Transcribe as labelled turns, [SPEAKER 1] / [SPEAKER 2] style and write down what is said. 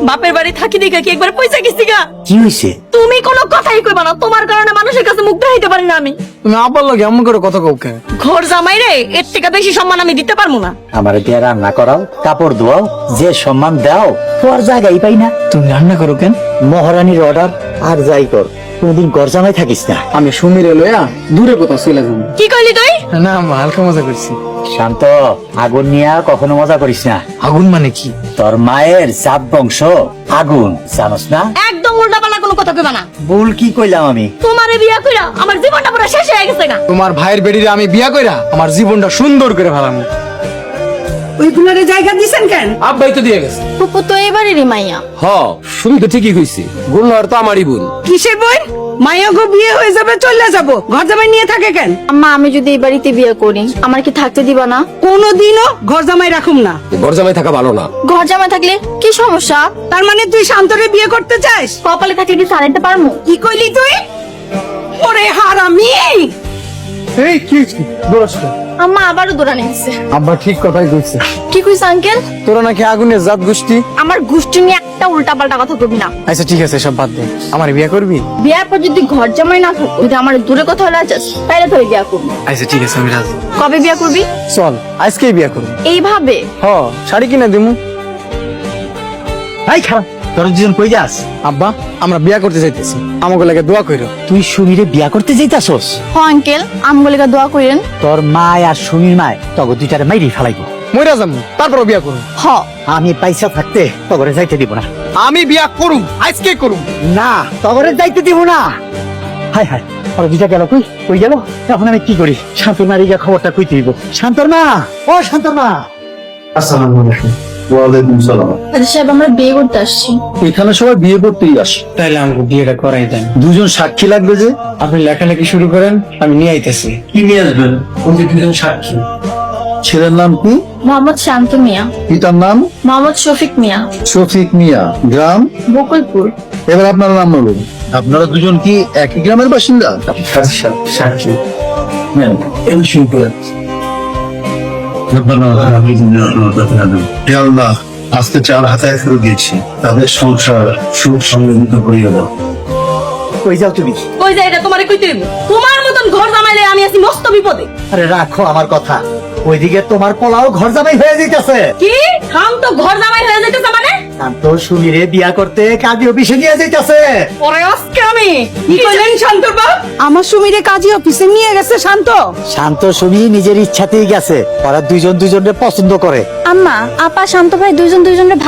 [SPEAKER 1] বাপের বাড়ি থাকি দেখে কি একবার পয়সা গেছি গা।
[SPEAKER 2] কি হইছে?
[SPEAKER 1] তুমি কোনো কথাই কইবা না, তোমার কারণে মানুষের কাছে মুখ দেখাইতে পারি না আমি।
[SPEAKER 3] তুমি আব্বার লগে এমন করে কথা কও কেন?
[SPEAKER 1] ঘর জামাই রে, এর থেকে বেশি সম্মান আমি দিতে পারবো না।
[SPEAKER 2] আমার দিয়ে রান্না করাও, কাপড় ধোয়াও, যে সম্মান দাও তোর জায়গায় পাই না।
[SPEAKER 3] তুমি রান্না করো কেন?
[SPEAKER 2] মহারানীর অর্ডার, আর যাই কর কোনদিন ঘর জামাই থাকিস না।
[SPEAKER 3] আমি সুমিরে লইয়া দূরে কোথাও চলে যাবো।
[SPEAKER 1] কি কইলি তুই?
[SPEAKER 3] না আম্মা, হালকা মজা করছি।
[SPEAKER 2] শান্ত, আগুন নিয়ে কখনো মজা করিস না।
[SPEAKER 3] আগুন মানে কি?
[SPEAKER 2] তোর মায়ের জাত বংশ আগুন, জানোস না?
[SPEAKER 1] একদম উল্টাপাল্টা কোনো কথা কইবা না।
[SPEAKER 2] ভুল কি কইলাম আমি?
[SPEAKER 1] তোমারে বিয়া কইরা আমার জীবনটা পুরো শেষ হয়ে গেছে না।
[SPEAKER 3] তোমার ভাইয়ের বেড়িরে আমি বিয়া কইরা আমার জীবনটা সুন্দর করে ফেলাম।
[SPEAKER 4] ওই গুলারে জায়গা দিছেন কেন?
[SPEAKER 5] আব্বাই তো দিয়ে গেছে।
[SPEAKER 1] ফুপু তো এবারেরই মাইয়া।
[SPEAKER 5] হ, শুনি তো ঠিকই কইছি। গুলনার তো আমারই বোন।
[SPEAKER 4] কিসের বই? মায়া গো বিয়ে হয়ে যাবে, চলে যাব, ঘর জামাই নিয়ে থাকে কেন?
[SPEAKER 1] আম্মা, আমি যদি এই বাড়িতে বিয়ে করি আমার কি থাকতে দিবা না?
[SPEAKER 4] কোনোদিনও ঘর জামাই রাখুম না।
[SPEAKER 5] ঘর জামাই থাকা ভালো না।
[SPEAKER 1] ঘর জামাই থাকলে কি সমস্যা?
[SPEAKER 4] তার মানে তুই শান্তরে বিয়ে করতে চাস?
[SPEAKER 1] কপালে থাকলে কি সারাইতে পারমু?
[SPEAKER 4] কি কইলি তুই? ওরে হারামি!
[SPEAKER 3] এই কি দোষ?
[SPEAKER 1] আম্মা আবারও দৌড়ানি দিচ্ছে।
[SPEAKER 3] আব্বা ঠিক কথাই কইছে।
[SPEAKER 1] কি কইছ আঙ্কেল?
[SPEAKER 3] তোরা নাকি আগুনের জাত গোষ্ঠী।
[SPEAKER 1] আমার গোষ্ঠী নিয়ে একটা উল্টাপাল্টা কথা কবি না।
[SPEAKER 3] আচ্ছা ঠিক আছে, সব বাদ দে। আমার বিয়া করবি?
[SPEAKER 1] বিয়ার পর যদি ঘর জামাই না থাকো, যদি আমার দূরে কোথাও যাস তাহলে তো বিয়া করবি।
[SPEAKER 3] আচ্ছা ঠিক আছে, আমি রাজি।
[SPEAKER 1] কবে বিয়া করবি?
[SPEAKER 3] চল আজকেই বিয়া করবি।
[SPEAKER 1] এইভাবে?
[SPEAKER 3] হ, শাড়ি কিনে দিমু।
[SPEAKER 2] এই খারাপ, তোর দুজন কই যাস?
[SPEAKER 3] আব্বা, আমরা বিয়া করতে যাইতেছি, আমাকে লাগে দোয়া কইরো।
[SPEAKER 2] তুই সুমিরে বিয়া করতে যাইতাছস?
[SPEAKER 1] হ আঙ্কেল, আমগুলিকা দোয়া করেন।
[SPEAKER 2] তোর মায় আর সুমির মায় তগো দুইটারে মাইরি ফেলাইবো।
[SPEAKER 3] মইরা যাবো, তারপর বিয়া করুম।
[SPEAKER 1] হ।
[SPEAKER 2] আমি পয়সা থাকতে তগরে যাইতে দিব না।
[SPEAKER 3] আমি বিয়া করুম, আজকে করুম।
[SPEAKER 2] না, তগরে যাইতে দিব না। হাই হাই, ওরা দুইটা গেল কই? কই গেল? এখন আমি কি করি? শান্তর মারি গিয়া খবরটা কই দিব? শান্তর মা, ও শান্তর মা।
[SPEAKER 6] আসসালামু আলাইকুম। ওয়ালাইকুম সালাম।
[SPEAKER 1] সাহেব, আমরা বিয়ে করতে আসছি।
[SPEAKER 6] এখানে সবাই বিয়ে করতেই আসে।
[SPEAKER 3] তাইলে আমাকে বিয়েটা করাই দেন।
[SPEAKER 6] দুজন সাক্ষী লাগবে যে।
[SPEAKER 3] আপনি লেখালেখি শুরু করেন, আমি নিয়ে আইতেছি।
[SPEAKER 6] কি নিয়ে আসবেন? ওই যে দুজন সাক্ষী। ছেলের নাম কি?
[SPEAKER 1] মোহাম্মদ শান্ত মিয়া।
[SPEAKER 6] পিতার নাম?
[SPEAKER 1] মোহাম্মদ শফিক মিয়া।
[SPEAKER 6] শফিক মিয়া। গ্রাম?
[SPEAKER 1] বকুলপুর।
[SPEAKER 6] এবার আপনার নাম বলুন। আপনারা দুজন কি একই গ্রামের বাসিন্দা? সাক্ষী। হ্যাঁ, এই শুরু করেন। হে আল্লাহ, আজকে 4 হাতায় ফেলে দিয়েছি, তাদের সংসার সুখ সমৃদ্ধ করিয়ে দাও।
[SPEAKER 2] কই যাও তুমি?
[SPEAKER 1] কই যায় এটা তোমারে কইতে দিব? তোমার মতন ঘর জামাইলে আমি আছি মস্ত বিপদে।
[SPEAKER 2] আরে রাখো আমার কথা। ওইদিকে তোমার পোলাও ঘর জামাই হয়ে যাইতাছে।
[SPEAKER 1] কি? খাম তো ঘর জামাই হয়ে যাইতেছে মানে?
[SPEAKER 2] শান্ত সুমিরে বিয়া করতে কাজী অফিসে নিয়ে যাইতাছে।
[SPEAKER 1] ওরে আজকে আমি
[SPEAKER 4] কি কইলেন শান্তর বাপ? আমার সুমিরে কাজী অফিসে নিয়ে গেছে শান্ত।
[SPEAKER 2] শান্ত সুমি নিজের ইচ্ছাতেই গেছে। ওরা দুইজন দুইজনকে পছন্দ করে।
[SPEAKER 1] আম্মা, আপা শান্ত ভাই দুইজন দুইজনের